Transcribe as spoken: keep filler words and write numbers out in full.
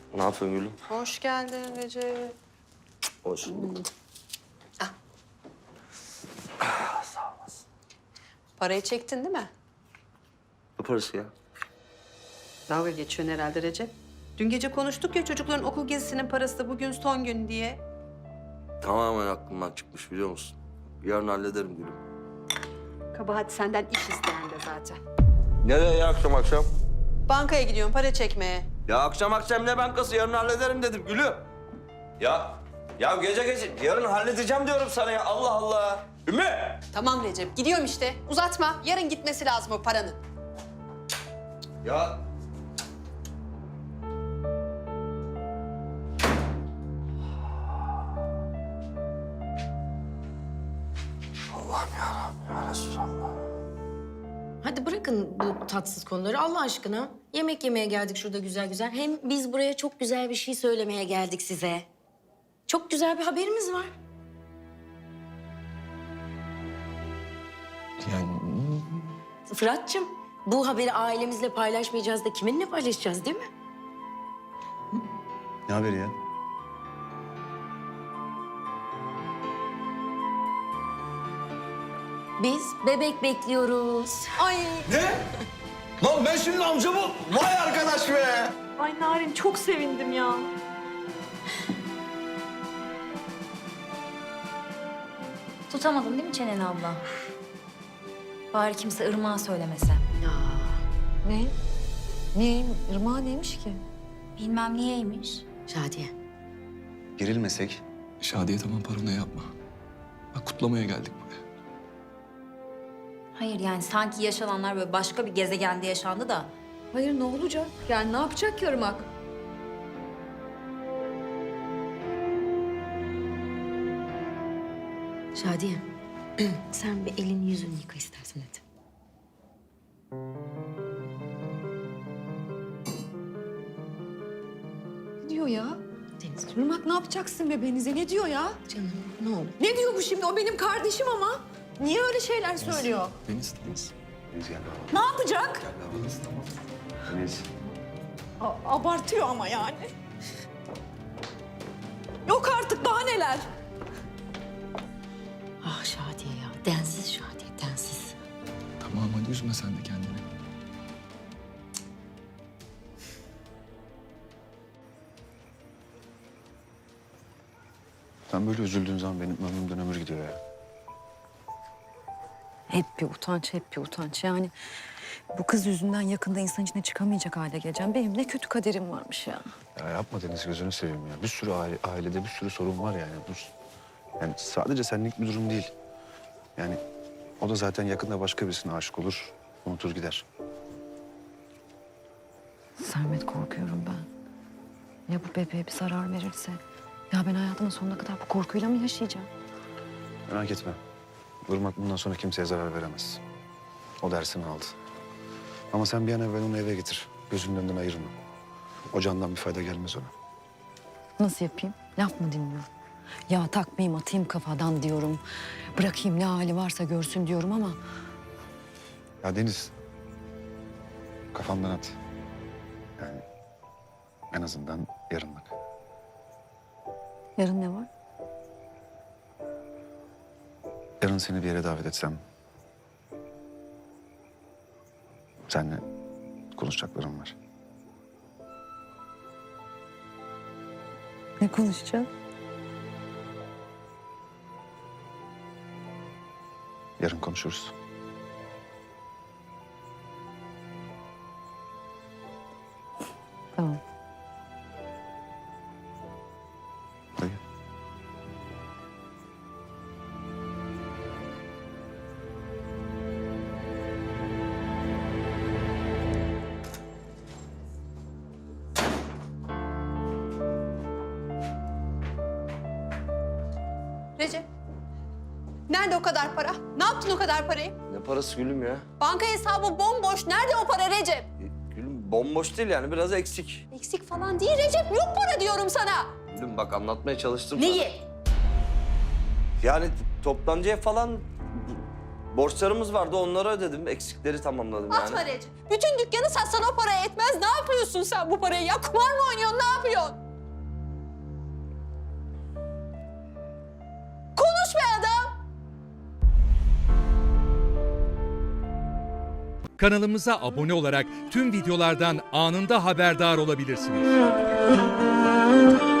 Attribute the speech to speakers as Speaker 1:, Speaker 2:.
Speaker 1: Ne yapıyorsun Gülüm?
Speaker 2: Hoş geldin Recep.
Speaker 1: Hoş bulduk.
Speaker 2: Ah.
Speaker 1: Ah, sağ olasın.
Speaker 2: Parayı çektin değil mi?
Speaker 1: Ne parası ya?
Speaker 2: Dalga geçiyorsun herhalde Recep. Dün gece konuştuk ya çocukların okul gezisinin parası da bugün son gün diye.
Speaker 1: Tamamen aklımdan çıkmış biliyor musun? Yarın hallederim Gülüm.
Speaker 2: Kabahat senden iş isteyen de zaten.
Speaker 1: Nereye ya akşam akşam?
Speaker 2: Bankaya gidiyorum para çekmeye.
Speaker 1: Ya akşam akşam ne bankası? Yarın hallederim dedim Gülüm. Ya, ya gece gece yarın halledeceğim diyorum sana ya. Allah Allah. Ümmü!
Speaker 2: Tamam Recep gidiyorum işte. Uzatma. Yarın gitmesi lazım o paranın.
Speaker 1: Ya Allah'ım yarabbim ya Resulallah.
Speaker 3: Hadi bırakın bu tatsız konuları Allah aşkına. Yemek yemeye geldik şurada güzel güzel. Hem biz buraya çok güzel bir şey söylemeye geldik size. Çok güzel bir haberimiz var.
Speaker 4: Yani
Speaker 3: Fırat'cığım, bu haberi ailemizle paylaşmayacağız da kiminle paylaşacağız değil mi?
Speaker 4: ne haberi ya?
Speaker 3: Biz bebek bekliyoruz. Ay.
Speaker 4: Ne? Lan ben şimdi amcamı... Vay arkadaş be!
Speaker 5: Ay Narin çok sevindim ya.
Speaker 6: Tutamadın değil mi çeneni abla? Bari kimse Irmak'a söylemese.
Speaker 7: Ne? Niye? Irmağı neymiş ki?
Speaker 6: Bilmem niyeymiş.
Speaker 3: Şadiye.
Speaker 4: Gerilmesek.
Speaker 8: Şadiye tamam paranoya yapma. Bak kutlamaya geldik buraya.
Speaker 6: Hayır yani sanki yaşananlar böyle başka bir gezegende yaşandı da.
Speaker 7: Hayır ne olacak? Yani ne yapacak ki Irmak?
Speaker 3: Şadiye. Sen bir elini yüzünü yıka istersen hadi.
Speaker 7: Ne diyor ya?
Speaker 3: Deniz.
Speaker 7: Irmak ne yapacaksın bebeğinize? Ne diyor ya?
Speaker 3: Canım ne olur.
Speaker 7: Ne diyor bu şimdi? O benim kardeşim ama. Niye öyle şeyler söylüyor?
Speaker 8: Deniz, Deniz.
Speaker 4: Deniz gel baba.
Speaker 7: Ne yapacak?
Speaker 8: Deniz tamam.
Speaker 4: Deniz.
Speaker 7: A- abartıyor ama yani. Yok artık daha neler?
Speaker 3: Ah Şadiye ya. Densiz Şadiye, densiz.
Speaker 8: Tamam hadi üzme sen de kendini.
Speaker 4: Sen böyle üzüldüğün zaman benim ömrümden ömür gidiyor ya.
Speaker 7: Hep bir utanç, hep bir utanç. Yani bu kız yüzünden yakında insan içine çıkamayacak hale geleceğim. Benim ne kötü kaderim varmış ya.
Speaker 4: Ya yapma Deniz, gözünü seveyim ya. Bir sürü aile, ailede bir sürü sorun var yani. Bu, yani sadece senlik bir durum değil. Yani o da zaten yakında başka birisine aşık olur, unutur gider.
Speaker 7: Sermet korkuyorum ben. Ya bu bebeğe bir zarar verirse? Ya ben hayatımın sonuna kadar bu korkuyla mı yaşayacağım?
Speaker 4: Merak etme. Irmak bundan sonra kimseye zarar veremez. O dersini aldı. Ama sen bir an evvel onu eve getir. Gözünün önünden ayırma. O candan bir fayda gelmez ona.
Speaker 7: Nasıl yapayım? Laf mı dinliyorum? Ya takmayayım, atayım kafadan diyorum. Bırakayım ne hali varsa görsün diyorum ama...
Speaker 4: Ya Deniz, kafandan at. Yani en azından yarınlık.
Speaker 7: Yarın ne var?
Speaker 4: Yarın seni bir yere davet etsem... seninle konuşacaklarım var.
Speaker 7: Ne konuşacağız?
Speaker 4: Yarın konuşuruz.
Speaker 7: Tamam.
Speaker 4: Dayı.
Speaker 2: Recep. Nerede o kadar para? Ne yaptın o kadar parayı?
Speaker 1: Ne parası Gülüm ya?
Speaker 2: Banka hesabı bomboş. Nerede o para Recep?
Speaker 1: E, Gülüm bomboş değil yani biraz eksik.
Speaker 2: Eksik falan değil Recep. Yok para diyorum sana.
Speaker 1: Gülüm bak anlatmaya çalıştım sana.
Speaker 2: Neyi?
Speaker 1: Yani toptancıya falan borçlarımız vardı onları ödedim. Eksikleri tamamladım yani.
Speaker 2: Atma Recep. Bütün dükkanı satsan o para etmez. Ne yapıyorsun sen bu parayı ya? Kumar mı oynuyorsun? Ne yapıyorsun?
Speaker 9: Kanalımıza abone olarak tüm videolardan anında haberdar olabilirsiniz.